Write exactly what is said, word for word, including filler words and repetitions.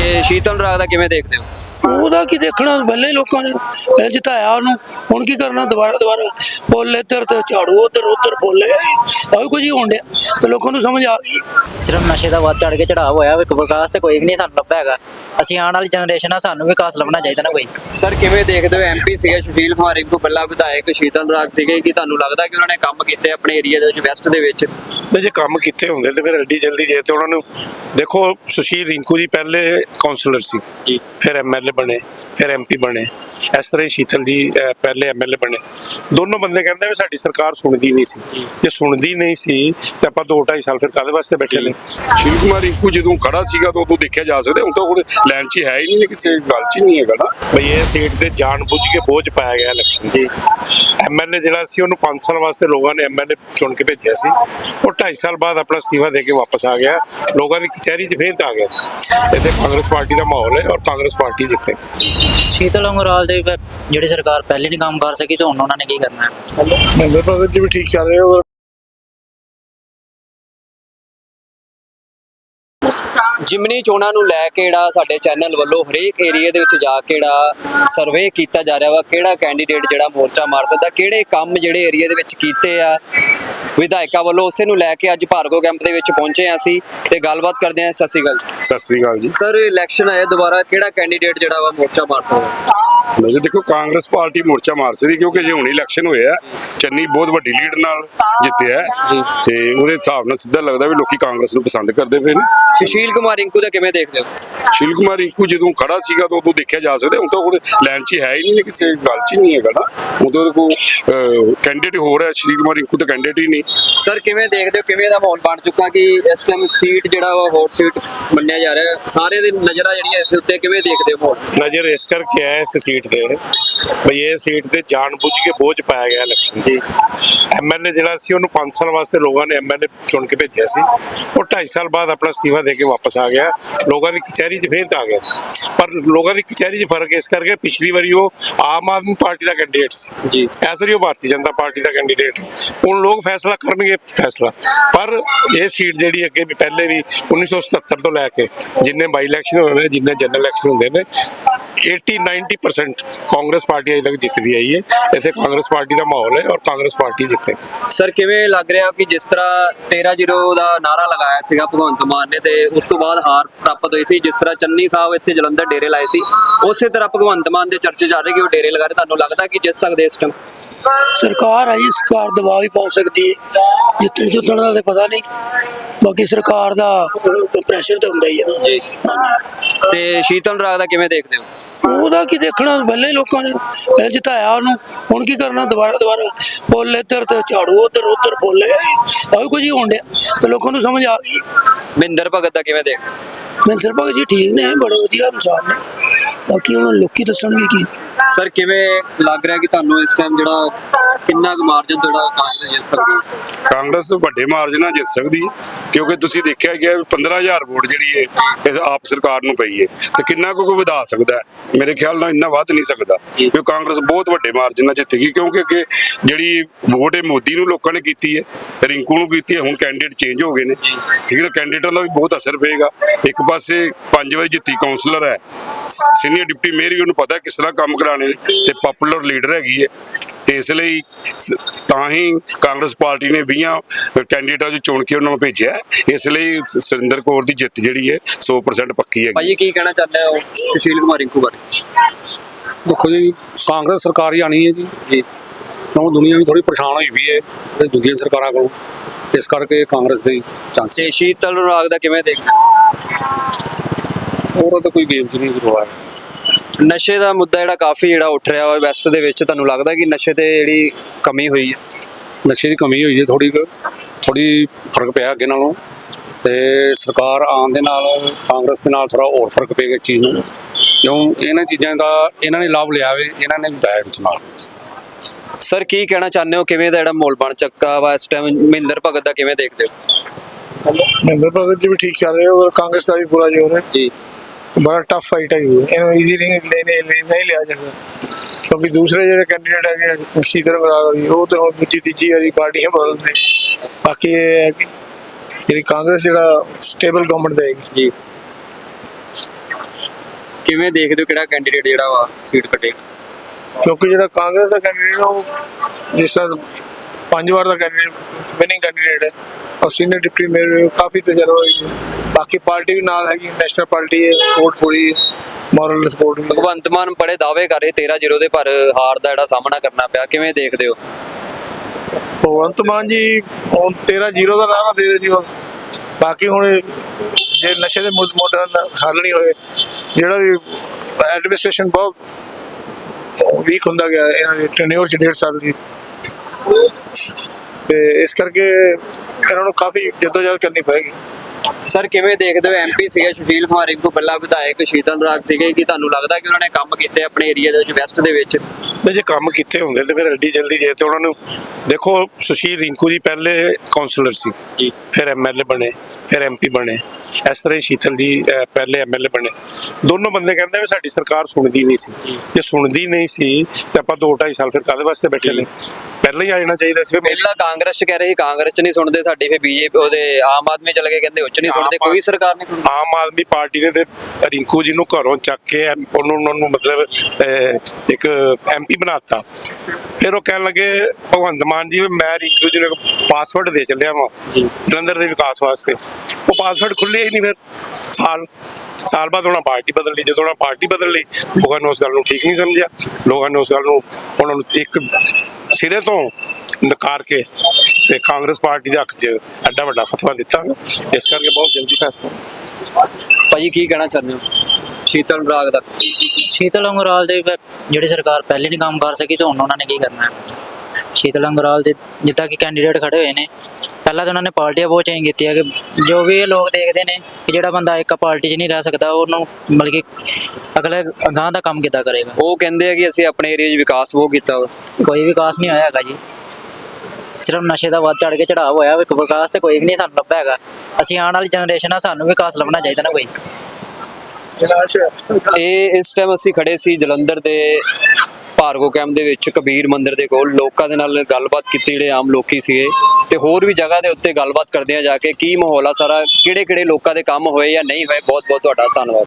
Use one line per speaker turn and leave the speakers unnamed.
ਤੇ ਸ਼ੀਤਲ ਰਾਗ ਦਾ ਕਿਵੇਂ ਦੇਖਦੇ ਹੋ?
ਉਹਦਾ ਕੀ ਦੇਖਣਾ, ਪਹਿਲੇ ਲੋਕਾਂ ਨੇ ਪਹਿਲੇ ਜਿਤਾਇਆ ਉਹਨੂੰ, ਹੁਣ ਕੀ ਕਰਨਾ ਦੁਬਾਰਾ ਦੁਬਾਰਾ ਬੋਲੇ ਇੱਧਰ ਤੇ ਝਾੜੂ ਉੱਧਰ ਉੱਧਰ ਬੋਲੇ ਆਹ ਕੁਝ ਹੀ ਹੋਣ ਡਿਆ ਤੇ ਲੋਕਾਂ ਨੂੰ ਸਮਝ ਆ ਗਈ।
ਸਿਰਫ ਨਸ਼ੇ ਦਾ ਵੱਧ ਚੜ ਕੇ ਚੜਾਅ ਹੋਇਆ, ਵਿਕਾਸ ਤੇ ਕੋਈ ਵੀ ਨਹੀਂ ਸਾਨੂੰ ਲੱਭਿਆ ਹੈਗਾ। ਅਸੀਂ ਆਉਣ ਵਾਲੀ ਜਨਰੇਸ਼ਨ ਆ, ਸਾਨੂੰ ਵਿਕਾਸ ਲੱਭਣਾ ਚਾਹੀਦਾ ਨਾ ਕੋਈ।
ਸਰ ਕਿਵੇਂ ਦੇਖਦੇ ਹੋ, ਐਮਪੀ ਸੀਗੇ ਸੁਸ਼ੀਲ ਕੁਮਾਰ ਰਿੰਕੂ, ਪਹਿਲਾਂ ਵਿਧਾਇਕ ਸ਼ੀਤਲ ਰਾਗ ਸੀਗੇ, ਕਿ ਤੁਹਾਨੂੰ ਲੱਗਦਾ ਕਿ ਉਹਨਾਂ ਨੇ ਕੰਮ ਕੀਤੇ ਆਪਣੇ ਏਰੀਆ ਦੇ ਵਿੱਚ, ਵੈਸਟ ਦੇ ਵਿੱਚ?
ਵੀ ਜੇ ਕੰਮ ਕੀਤੇ ਹੁੰਦੇ ਤੇ ਫਿਰ ਐਡੀ ਜਲਦੀ ਜੇ ਤੇ ਉਹਨਾਂ ਨੂੰ ਦੇਖੋ, ਸੁਸ਼ੀਲ ਰਿੰਕੂ ਜੀ ਪਹਿਲੇ ਕਾਉਂਸਲਰ ਸੀ ਜੀ, ਫਿਰ ਐਮਐਲਏ ਬਣੇ, ਫਿਰ ਐਮਪੀ ਬਣੇ। ਇਸ ਤਰ੍ਹਾਂ ਹੀ ਸ਼ੀਤਲ ਜੀ ਪਹਿਲੇ ਐਮਐਲਏ ਬਣੇ। ਦੋਨੋਂ ਬੰਦੇ ਕਹਿੰਦੇ ਵੀ ਸਾਡੀ ਸਰਕਾਰ ਸੁਣਦੀ ਨਹੀਂ ਸੀ। ਜੇ ਸੁਣਦੀ ਨਹੀਂ ਸੀ ਤੇ ਆਪਾਂ ਦੋ ਢਾਈ ਸਾਲ ਫਿਰ ਕਾਹਦੇ ਵਾਸਤੇ ਬੈਠੇ ਨੇ?
ਸ਼ਿਵ ਕੁਮਾਰ ਰਿੰਕੂ ਜਦੋਂ ਖੜਾ ਸੀਗਾ ਤਾਂ ਉਦੋਂ ਦੇਖਿਆ ਜਾ ਸਕਦਾ, ਹੁਣ ਤਾਂ ਹੁਣ ਲਾਈਨ 'ਚ ਹੈ ਹੀ ਨਹੀਂ, ਕਿਸੇ ਗੱਲ 'ਚ ਨਹੀਂ ਹੈਗਾ ਨਾ।
ਬਈ ਇਹ ਸੀਟ ਤੇ ਜਾਣ ਬੁੱਝ ਕੇ ਬੋਝ ਪਾਇਆ ਗਿਆ ਇਲੈਕਸ਼ਨ ਜੀ। ਐਮਐਲਏ ਜਿਹੜਾ ਸੀ ਉਹਨੂੰ ਪੰਜ ਸਾਲ ਵਾਸਤੇ ਲੋਕਾਂ ਨੇ ਐਮਐਲਏ ਚੁਣ ਕੇ ਭੇਜਿਆ ਸੀ, ਉਹ ਢਾਈ ਸਾਲ ਬਾਅਦ ਆਪਣਾ ਅਸਤੀਫਾ ਦੇ ਕੇ ਵਾਪਸ ਆ ਗਿਆ, ਲੋਕਾਂ ਦੀ ਕਚਹਿਰੀ 'ਚ ਫੇਰ ਆ ਗਿਆ। ਇੱਥੇ ਕਾਂਗਰਸ ਪਾਰਟੀ ਦਾ ਮਾਹੌਲ ਹੈ ਔਰ ਕਾਂਗਰਸ ਪਾਰਟੀ ਜਿੱਤੇ।
ਸ਼ੀਤਲ ਅੰਗਰਾਲ ਦੇ ਜਿਹੜੀ ਸਰਕਾਰ ਪਹਿਲੇ ਨਹੀਂ ਕੰਮ ਕਰ ਸਕੀ, ਤੇ ਹੁਣ ਉਹਨਾਂ ਨੇ ਕੀ ਕਰਨਾ ਹੈ?
ਮਹਿੰਦਰ ਭਗਤ ਜੀ ਵੀ ਠੀਕ ਚੱਲ ਰਹੇ ਹੋ।
ਜਿਮਨੀ ਚੋਣਾਂ ਨੂੰ ਲੈ ਕੇ ਜਿਹੜਾ ਸਾਡੇ ਚੈਨਲ ਵੱਲੋਂ ਹਰੇਕ ਏਰੀਆ ਦੇ ਵਿੱਚ ਜਾ ਕੇ ਜਿਹੜਾ ਸਰਵੇ ਕੀਤਾ ਜਾ ਰਿਹਾ ਵਾ, ਕਿਹੜਾ ਕੈਂਡੀਡੇਟ ਜਿਹੜਾ ਮੋਰਚਾ ਮਾਰ ਸਕਦਾ, ਕਿਹੜੇ ਕੰਮ ਜਿਹੜੇ ਏਰੀਆ ਦੇ ਵਿੱਚ ਕੀਤੇ ਆ ਵਿਧਾਇਕਾਂ ਵੱਲੋਂ, ਉਸੇ ਨੂੰ ਲੈ ਕੇ ਅੱਜ ਭਾਰਗੋ ਕੈਂਪ ਦੇ ਵਿੱਚ ਪਹੁੰਚੇ ਆ ਅਸੀਂ ਤੇ ਗੱਲਬਾਤ ਕਰਦੇ ਆ। ਸਤਿ ਸ਼੍ਰੀ ਅਕਾਲ।
ਸਤਿ ਸ੍ਰੀ ਅਕਾਲ ਜੀ।
ਸਰ ਇਲੈਕਸ਼ਨ ਆਇਆ ਦੁਬਾਰਾ, ਕਿਹੜਾ ਕੈਂਡੀਡੇਟ ਜਿਹੜਾ ਵਾ ਮੋਰਚਾ ਮਾਰ ਸਕਦਾ?
ਵੈਸੇ ਦੇਖੋ, ਕਾਂਗਰਸ ਪਾਰਟੀ ਮੋਰਚਾ ਮਾਰ ਸਕਦੀ, ਕਿਉਂਕਿ ਜੇ ਹੁਣ ਇਲੈਕਸ਼ਨ ਹੋਇਆ, ਚੰਨੀ ਬਹੁਤ ਵੱਡੀ ਲੀਡ ਨਾਲ ਜਿੱਤਿਆ ਤੇ ਉਹਦੇ ਹਿਸਾਬ ਨਾਲ ਸਿੱਧਾ ਲੱਗਦਾ ਵੀ ਲੋਕੀ ਕਾਂਗਰਸ ਨੂੰ ਪਸੰਦ ਕਰਦੇ ਪਏ ਨੇ।
ਸੁਸ਼ੀਲ ਕੁਮਾਰ ਰਿੰਕੂ ਦਾ ਕਿਵੇਂ ਦੇਖਦੇ ਹੋ?
ਸ਼ਿਵ ਕੁਮਾਰ ਰਿੰਕੂ ਜਦੋਂ ਖੜਾ ਸੀਗਾ ਤਾਂ ਉਦੋਂ ਦੇਖਿਆ ਜਾ ਸਕਦਾ, ਹੁਣ ਤਾਂ ਹੁਣ ਲਾਈਨ 'ਚ ਹੈ ਹੀ ਨਹੀਂ, ਕਿਸੇ ਗੱਲ 'ਚ ਨਹੀਂ ਹੈਗਾ ਨਾ। ਉਦੋਂ ਕੋਈ ਕੈਂਡੀਡੇਟ ਹੋਰ ਹੈ, ਸ਼ਿਵ ਕੁਮਾਰ ਰਿੰਕੂ ਤਾਂ ਕੈਂਡੀਡੇਟ ਹੀ ਨਹੀਂ।
ਸਰ ਕਿਵੇਂ ਦੇਖਦੇ ਹੋ, ਕਿਵੇਂ ਦਾ ਮਾਹੌਲ ਬਣ ਚੁੱਕਾ ਕਿ ਇਸ ਟਾਈਮ ਸੀਟ ਜਿਹੜਾ ਵਾ ਹੌਟ ਸੀਟ ਮੰਨਿਆ ਜਾ ਰਿਹਾ, ਸਾਰੇ ਦੀ ਨਜ਼ਰਾਂ ਜਿਹੜੀਆਂ ਇਸ ਉੱਤੇ, ਕਿਵੇਂ ਦੇਖਦੇ ਹੋ ਮਾਹੌਲ?
ਨਜ਼ਰ ਇਸ ਕਰਕੇ ਹੈ ਇਸ ਸੀਟ ਤੇ ਬਈ ਇਹ ਸੀਟ ਤੇ ਜਾਣ ਬੁੱਝ ਕੇ ਬੋਝ ਪਾਇਆ ਗਿਆ ਇਲੈਕਸ਼ਨ ਜੀ। ਐਮਐਲਏ ਜਿਹੜਾ ਸੀ ਉਹਨੂੰ ਪੰਜ ਸਾਲ ਵਾਸਤੇ ਲੋਕਾਂ ਨੇ ਐਮਐਲਏ ਚੁਣ ਕੇ ਭੇਜਿਆ ਸੀ, ਉਹ ਢਾਈ ਸਾਲ ਬਾਅਦ ਆਪਣਾ ਅਸਤੀਫਾ ਦੇ ਕੇ ਵਾਪਸ ਆ ਗਿਆ, ਲੋਕਾਂ ਦੀ ਕਚਹਿਰੀ 'ਚ ਫੇਰ ਆ ਗਿਆ। ਪਰ ਲੋਕਾਂ ਦੀ ਕਚਹਿਰੀ 'ਚ ਫਰਕ ਇਸ ਕਰਕੇ, ਪਿਛਲੀ ਵਾਰੀ ਉਹ ਆਮ ਆਦਮੀ ਪਾਰਟੀ ਦਾ ਕੈਂਡੀਡੇਟ ਸੀ ਜੀ, ਇਸ ਵਾਰੀ ਉਹ ਭਾਰਤੀ ਜਨਤਾ ਪਾਰਟੀ ਦਾ ਕੈਂਡੀਡੇਟ। ਹੁਣ ਲੋਕ ਫੈਸਲਾ ਕਰਨਗੇ ਫੈਸਲਾ, ਪਰ ਇਹ ਸੀਟ ਜਿਹੜੀ ਅੱਗੇ ਵੀ ਪਹਿਲੇ ਵੀ ਉੱਨੀ ਸੌ ਸਤੱਤਰ ਤੋਂ ਲੈ ਕੇ ਜਿੰਨੇ ਬਾਈ ਇਲੈਕਸ਼ਨ ਹੋਏ ਨੇ, ਜਿੰਨੇ ਜਨਰਲ ਇਲੈਕਸ਼ਨ ਹੁੰਦੇ ਨੇ, अस्सी नब्बे परसेंट कांग्रेस पार्टी अजे तक जितती आई है। इतने कांग्रेस पार्टी का माहौल है और कांग्रेस पार्टी जिते।
सर किवें लग रहा कि जिस तरह तेरह जीरो का नारा लगाया सीगा भगवंत मान ने, ते उस तो बाद हार प्राप्त हुई सी, जिस तरह चन्नी साहब इत्थे जलंधर डेरे लाए सी, उस तरह भगवंत मान के चर्चे चल रहे कि वो डेरे लगा रहे। तुहानूं लगदा कि जित सकदे इस टाइम?
सरकार आई, सरकार दबाव भी पा सकती है, जितने जुतण का पता नहीं, बाकी सरकार का प्रैशर तो हुंदा ही है ना जी।
ते शीतल राग दा किवें देखदे हो?
ਉਹਦਾ ਕੀ ਦੇਖਣਾ, ਪਹਿਲੇ ਲੋਕਾਂ ਨੇ ਪਹਿਲੇ ਜਿਤਾਇਆ ਉਹਨੂੰ, ਹੁਣ ਕੀ ਕਰਨਾ ਦੁਬਾਰਾ ਦੁਬਾਰਾ ਬੋਲੇ ਇੱਧਰ ਤੇ ਝਾੜੂ ਉੱਧਰ ਉੱਧਰ ਬੋਲੇ ਆਹ ਕੁਝ ਹੀ ਹੋਣ ਡਿਆ ਤੇ ਲੋਕਾਂ ਨੂੰ ਸਮਝ ਆ ਗਈ।
ਮਹਿੰਦਰ ਭਗਤ ਦਾ ਕਿਵੇਂ ਦੇਖ?
ਮਹਿੰਦਰ ਭਗਤ ਜੀ ਠੀਕ ਨੇ, ਬੜੇ ਵਧੀਆ ਇਨਸਾਨ ਨੇ, ਬਾਕੀ ਹੁਣ ਲੋਕੀ ਦੱਸਣਗੇ ਕੀ।
ਸਰ ਕਿਵੇਂ ਲੱਗ ਰਿਹਾ ਕਿ ਤੁਹਾਨੂੰ ਇਸ ਟਾਈਮ ਜਿਹੜਾ ਕਿੰਨਾ ਕੁ ਮਾਰਜਨ ਜਿਹੜਾ ਕਾਂਗਰਸ ਜਿੱਤ ਸਕਦੀ ਹੈ?
ਕਾਂਗਰਸ ਵੱਡੇ ਮਾਰਜਨ ਨਾਲ ਜਿੱਤ ਸਕਦੀ ਹੈ, ਕਿਉਂਕਿ ਤੁਸੀਂ ਦੇਖਿਆ ਗਿਆ ਪੰਦਰਾਂ ਹਜ਼ਾਰ ਵੋਟ ਜਿਹੜੀ ਹੈ ਇਸ ਆਪ ਸਰਕਾਰ ਨੂੰ ਪਈ ਹੈ, ਤੇ ਕਿੰਨਾ ਕੁ ਵਧਾ ਸਕਦਾ ਹੈ? ਮੇਰੇ ਖਿਆਲ ਨਾਲ ਇੰਨਾ ਵੱਧ ਨਹੀਂ ਸਕਦਾ, ਕਿਉਂਕਿ ਕਾਂਗਰਸ ਬਹੁਤ ਵੱਡੇ ਮਾਰਜਨ ਨਾਲ ਜਿੱਤੇਗੀ, ਕਿਉਂਕਿ ਅੱਗੇ ਜਿਹੜੀ ਵੋਟ ਹੈ ਮੋਦੀ ਨੂੰ ਲੋਕਾਂ ਨੇ ਕੀਤੀ ਹੈ, ਰਿੰਕੂ ਨੂੰ ਕੀਤੀ ਹੈ, ਹੁਣ ਕੈਂਡੀਡੇਟ ਚੇਂਜ ਹੋ ਗਏ ਨੇ, ਠੀਕ ਹੈ। ਕੈਂਡੀਡੇਟਾਂ ਦਾ ਵੀ ਬਹੁਤ ਅਸਰ ਪਏਗਾ। ਇੱਕ ਪਾਸੇ ਪੰਜ ਵਾਰੀ ਜਿੱਤੀ ਕਾਉਂਸਲਰ ਹੈ, ਸੀਨੀਅਰ ਡਿਪਟੀ ਮੇਅਰ ਵੀ ਉਹਨੂੰ ਪਤਾ ਕਿਸ ਤਰ੍ਹਾਂ ਕੰਮ ਕਰਾਣੇ, ਤੇ ਪਪੂਲਰ ਲੀਡਰ ਹੈਗੀ ਹੈ, ਤੇ ਇਸ ਲਈ ਤਾਂ ਹੀ ਕਾਂਗਰਸ ਪਾਰਟੀ ਨੇ ਵੀਹ ਕੈਂਡੀਡੇਟਾਂ ਨੂੰ ਚੁਣ ਕੇ ਉਹਨਾਂ ਨੂੰ ਭੇਜਿਆ। ਇਸ ਲਈ ਸੁਰਿੰਦਰ ਕੌਰ ਦੀ ਜਿੱਤ ਜਿਹੜੀ ਹੈ ਸੌ ਪਰਸੈਂਟ ਪੱਕੀ ਹੈ।
ਭਾਈ ਕੀ ਕਹਿਣਾ ਚਾਹੁੰਦੇ ਹੋ ਸੁਸ਼ੀਲ ਕੁਮਾਰ ਰਿੰਕੂ ਬਾਰੇ?
देखो जी, कांग्रेस सरकार ही आनी है जी जी क्यों दुनिया भी थोड़ी परेशान हुई हुई है दूसरी सरकारों को, इस करके कांग्रेस के चांस।
ਤੇ ਸ਼ੀਤਲ ਰਾਗ ਦਾ ਕਿਵੇਂ ਦੇਖਦੇ?
और तो कोई गेम च नहीं रहा है।
ਨਸ਼ੇ ਦਾ ਮੁੱਦਾ ਜਿਹੜਾ ਕਾਫੀ ਜਿਹੜਾ ਉੱਠ ਰਿਹਾ ਵਾ ਵੈਸਟ ਦੇ ਵਿੱਚ, ਤੁਹਾਨੂੰ ਲੱਗਦਾ ਕਿ ਨਸ਼ੇ ਤੇ ਜਿਹੜੀ ਕਮੀ ਹੋਈ ਹੈ?
नशे की कमी हुई है, थोड़ी थोड़ी फर्क पिया अगे नालों, ते सरकार आने दे नाल कांग्रेस के नाल थोड़ा और फर्क पेगा इस चीज़ में, क्यों इन्हां चीज़ां का इन्हां ने लाभ लिया वे, इन्हां ने बताया कुछ नाल।
ਸਰ ਕੀ ਕਹਿਣਾ ਚਾਹੁੰਦੇ ਹੋ, ਕਿਵੇਂ ਦਾ ਜਿਹੜਾ ਮਾਹੌਲ ਬਣ ਚੱਕਾ ਵਾ ਇਸ ਟਾਈਮ? ਮਹਿੰਦਰ ਭਗਤ ਦਾ ਕਿਵੇਂ ਦੇਖਦੇ ਹੋ?
ਮਹਿੰਦਰ ਭਗਤ ਜੀ ਵੀ ਠੀਕ ਚੱਲ ਰਹੇ ਹੋ, ਔਰ ਕਾਂਗਰਸ ਦਾ ਵੀ ਪੂਰਾ ਜ਼ੋਰ ਹੈ ਜੀ। बड़ा टफ फाइट है, इन्होंने इजी नहीं लेने नहीं लिया जाता, क्योंकि दूसरे जो कैंडिडेट है शीतल अंगराल वो तो दूजी तीजी वाली पार्टियां बदलते। बाकी ये है कि कांग्रेस जो स्टेबल गवर्नमेंट देगी जी।
ਕਿਵੇਂ ਦੇਖਦੇ ਹੋ ਕਿਹੜਾ ਕੈਂਡੀਡੇਟ ਜਿਹੜਾ ਵਾ ਸੀਟ ਕੱਟੇਗਾ?
ਕਿਉਂਕਿ ਜਿਹੜਾ ਕਾਂਗਰਸ ਦਾ ਕੈਂਡੀਡੇਟ ਉਹ ਜਿਸ ਤਰ੍ਹਾਂ ਪੰਜ ਵਾਰ ਦਾ ਕੈਂਡੀਡੇਟ ਵਿਨਿੰਗ ਕੈਂਡੀਡੇਟ ਹੈ ਔਰ ਸੀਨੀਅਰ ਡਿਪਟੀ ਮੇਅਰ ਕਾਫੀ ਤਜਰਬਾ ਹੈ। ਬਾਕੀ ਪਾਰਟੀ ਵੀ ਨਾਲ ਹੈਗੀ, ਨੈਸ਼ਨਲ ਪਾਰਟੀ ਹੈ, ਸਪੋਰਟ ਪੂਰੀ ਮੋਰਲ ਸਪੋਰਟ ਵੀ ਹੈ।
ਭਗਵੰਤ ਮਾਨ ਬੜੇ ਦਾਅਵੇ ਕਰ ਰਹੇ ਤੇਰਾਂ ਜ਼ੀਰੋ ਦੇ, ਪਰ ਹਾਰ ਦਾ ਜਿਹੜਾ ਸਾਹਮਣਾ ਕਰਨਾ ਪਿਆ, ਕਿਵੇਂ ਦੇਖਦੇ ਹੋ?
ਭਗਵੰਤ ਮਾਨ ਜੀ ਹੁਣ ਤੇਰਾਂ ਜ਼ੀਰੋ ਦਾ ਨਾਰਾ ਦੇ ਦੇ ਜੀ ਹੁਣ। ਬਾਕੀ ਹੁਣ ਜੇ ਨਸ਼ੇ ਦੇ ਮੁੱਦ ਮੋਢਿਆਂ ਦਾ ਹੱਲ ਨਹੀਂ ਹੋਏ, ਜਿਹੜਾ ਵੀ ਐਡਮਿਨਿਸਟ੍ਰੇਸ਼ਨ ਬਹੁਤ ਵੀਕ ਹੁੰਦਾ ਗਿਆ ਇਹਨਾਂ ਦੀ ਟੈਨਿਓਰ ਚ ਡੇਢ ਸਾਲ ਦੀ, ਤੇ ਇਸ ਕਰਕੇ ਇਹਨਾਂ ਨੂੰ ਕਾਫੀ ਜਦੋਜਹਿਦ ਕਰਨੀ ਪਏਗੀ।
ਸਰ ਕਿਵੇਂ ਦੇਖਦੇ ਹੋ ਐਮਪੀ ਸੀਗੇ ਸੁਸ਼ੀਲ ਕੁਮਾਰ ਰਿੰਕੂ ਬੱਲਾ, ਵਿਧਾਇਕ ਸ਼ੀਤਲ ਰਾਗ ਸੀਗੇ, ਕਿ ਤੁਹਾਨੂੰ ਲੱਗਦਾ ਕਿ ਉਹਨਾਂ ਨੇ ਕੰਮ ਕੀਤੇ ਆਪਣੇ ਏਰੀਆ ਦੇ ਵਿੱਚ ਵੈਸਟ ਦੇ ਵਿੱਚ?
ਵੀ ਜੇ ਕੰਮ ਕੀਤੇ ਹੁੰਦੇ ਤੇ ਫਿਰ ਐਡੀ ਜਲਦੀ ਜੇ ਤੇ ਉਹਨਾਂ ਨੂੰ ਦੇਖੋ, ਸੁਸ਼ੀਲ ਰਿੰਕੂ ਜੀ ਪਹਿਲੇ ਕਾਉਂਸਲਰ ਸੀ
ਜੀ,
ਫਿਰ ਐਮਐਲਏ ਬਣੇ, ਫਿਰ ਐਮਪੀ ਬਣੇ। ਇਸ ਤਰ੍ਹਾਂ ਹੀ ਸ਼ੀਤਲ ਜੀ ਅਹ, ਪਹਿਲੇ ਐਮਐਲਏ ਬਣੇ। ਦੋਨੋਂ ਬੰਦੇ ਕਹਿੰਦੇ ਵੀ ਸਾਡੀ ਸਰਕਾਰ ਸੁਣਦੀ ਨਹੀਂ ਸੀ। ਜੇ ਸੁਣਦੀ ਨਹੀਂ ਸੀ ਤੇ ਆਪਾਂ ਦੋ ਢਾਈ ਸਾਲ ਫਿਰ ਕਾਹਦੇ ਵਾਸਤੇ ਬੈਠੇ ਨੇ? ਪਹਿਲਾਂ ਹੀ ਆ ਜਾਣਾ ਚਾਹੀਦਾ ਸੀ।
ਪਹਿਲਾਂ ਕਾਂਗਰਸ ਚ ਕਹਿ ਰਹੇ ਸੀ ਕਾਂਗਰਸ ਚ ਨਹੀਂ ਸੁਣਦੇ ਸਾਡੀ, ਫਿਰ ਬੀਜੇਪੀ ਉਹਦੇ ਆਮ ਆਦਮੀ ਚਲੇ ਗਏ, ਕਹਿੰਦੇ ਉੱਚ ਨਹੀਂ ਸੁਣਦੇ, ਕੋਈ ਸਰਕਾਰ ਨਹੀਂ ਸੁਣਦੀ।
ਆਮ ਆਦਮੀ ਪਾਰਟੀ ਨੇ ਤੇ ਰਿੰਕੂ ਜੀ ਨੂੰ ਘਰੋਂ ਚੱਕ ਕੇ ਐਮ- ਉਹਨੂੰ ਉਹਨਾਂ ਨੂੰ ਮਤਲਬ ਅਹ, ਇੱਕ ਐਮਪੀ ਬਣਾਤਾ। ਫਿਰ ਉਹ ਕਹਿਣ ਲੱਗੇ ਭਗਵੰਤ ਮਾਨ ਜੀ ਮੈਂ ਰਿੰਕੂ ਜੀ ਨੂੰ ਪਾਸਵਰਡ ਦੇ ਚੱਲਿਆ ਵਾਂ ਜਲੰਧਰ ਦੇ ਵਿਕਾਸ ਵਾਸਤੇ। ਉਹ ਪਾਸਵਰਡ ਖੁੱਲੇ ਹੀ ਨਹੀਂ। ਫਿਰ ਸਾਲ ਸਾਲ ਬਾਅਦ ਉਹਨਾਂ ਪਾਰਟੀ ਬਦਲ ਲਈ। ਜਦੋਂ ਉਹਨਾਂ ਪਾਰਟੀ ਬਦਲ ਲਈ, ਲੋਕਾਂ ਨੇ ਉਸ ਗੱਲ ਨੂੰ ਠੀਕ ਨਹੀਂ ਸਮਝਿਆ। ਲੋਕਾਂ ਨੇ ਉਸ ਗੱਲ ਨੂੰ ਉਹਨਾਂ ਨੂੰ ਇੱਕ ਸਿਰੇ ਤੋਂ ਨਕਾਰ ਕੇ ਤੇ ਕਾਂਗਰਸ ਪਾਰਟੀ ਦੇ ਹੱਕ 'ਚ ਐਡਾ ਵੱਡਾ ਫਤਵਾ ਦਿੱਤਾ। ਇਸ ਕਰਕੇ ਬਹੁਤ ਜਲਦੀ ਫੈਸਲਾ।
ਭਾਜੀ ਕੀ ਕਹਿਣਾ ਚਾਹੁੰਦੇ ਹੋ ਸ਼ੀਤਲ ਰਾਗ ਦਾ?
ਸ਼ੀਤਲ ਅੰਗਰਾਲ ਦੇ ਵ- ਜਿਹੜੀ ਸਰਕਾਰ ਪਹਿਲੇ ਨਹੀਂ ਕੰਮ ਕਰ ਸਕੀ ਤੇ ਹੁਣ ਉਹਨਾਂ ਨੇ ਕੀ ਕਰਨਾ ਹੈ? ਸ਼ੀਤਲ ਅੰਗਰਾਲ ਦੇ ਜਿੱਦਾਂ ਕਿ ਕੈਂਡੀਡੇਟ ਖੜੇ ਹੋਏ ਨੇ, ਪਹਿਲਾਂ ਤਾਂ ਉਹਨਾਂ ਨੇ ਪਾਰਟੀਆਂ ਬਹੁਤ ਚੇਂਜ ਕੀਤੀਆਂ ਕਿ ਜੋ ਵੀ ਇਹ ਲੋਕ ਦੇਖਦੇ ਨੇ ਕਿ ਜਿਹੜਾ ਬੰਦਾ ਇੱਕ ਪਾਰਟੀ 'ਚ ਨਹੀਂ ਰਹਿ ਸਕਦਾ, ਉਹਨੂੰ ਮਤਲਬ ਕਿ ਅਗਲੇ ਅਗਾਂਹ ਦਾ ਕੰਮ ਕਿੱਦਾਂ ਕਰੇਗਾ।
ਉਹ ਕਹਿੰਦੇ ਆ ਕਿ ਅਸੀਂ ਆਪਣੇ ਏਰੀਆ 'ਚ ਵਿਕਾਸ ਬਹੁਤ ਕੀਤਾ ਵਾ।
ਕੋਈ ਵਿਕਾਸ ਨਹੀਂ ਹੋਇਆ ਹੈਗਾ ਜੀ, ਸਿਰਫ ਨਸ਼ੇ ਦਾ ਵੱਧ ਚੜ ਕੇ ਚੜਾਅ ਹੋਇਆ। ਵਿਕਾਸ ਤੇ ਕੋਈ ਵੀ ਨਹੀਂ ਸਾਨੂੰ ਲੱਭਿਆ ਹੈਗਾ। ਅਸੀਂ ਆਉਣ ਵਾਲੀ ਜਨਰੇਸ਼ਨ ਆ, ਸਾਨੂੰ ਵਿਕਾਸ ਲੱਭਣਾ ਚਾਹੀਦਾ ਨਾ ਕੋਈ।
ਇਹ ਇਸ ਟਾਈਮ ਅਸੀਂ ਖੜੇ ਸੀ ਜਲੰਧਰ ਦੇ ਭਾਰਗੋ ਕੈਂਪ ਦੇ ਵਿੱਚ, ਕਬੀਰ ਮੰਦਿਰ ਦੇ ਕੋਲ। ਲੋਕਾਂ ਦੇ ਨਾਲ ਗੱਲਬਾਤ ਕੀਤੀ, ਜਿਹੜੇ ਆਮ ਲੋਕੀ ਸੀਗੇ, ਤੇ ਹੋਰ ਵੀ ਜਗ੍ਹਾ ਦੇ ਉੱਤੇ ਗੱਲਬਾਤ ਕਰਦੇ ਆ ਜਾ ਕੇ ਕੀ ਮਾਹੌਲ ਆ ਸਾਰਾ, ਕਿਹੜੇ ਕਿਹੜੇ ਲੋਕਾਂ ਦੇ ਕੰਮ ਹੋਏ ਜਾਂ ਨਹੀਂ ਹੋਏ। ਬਹੁਤ ਬਹੁਤ ਤੁਹਾਡਾ ਧੰਨਵਾਦ।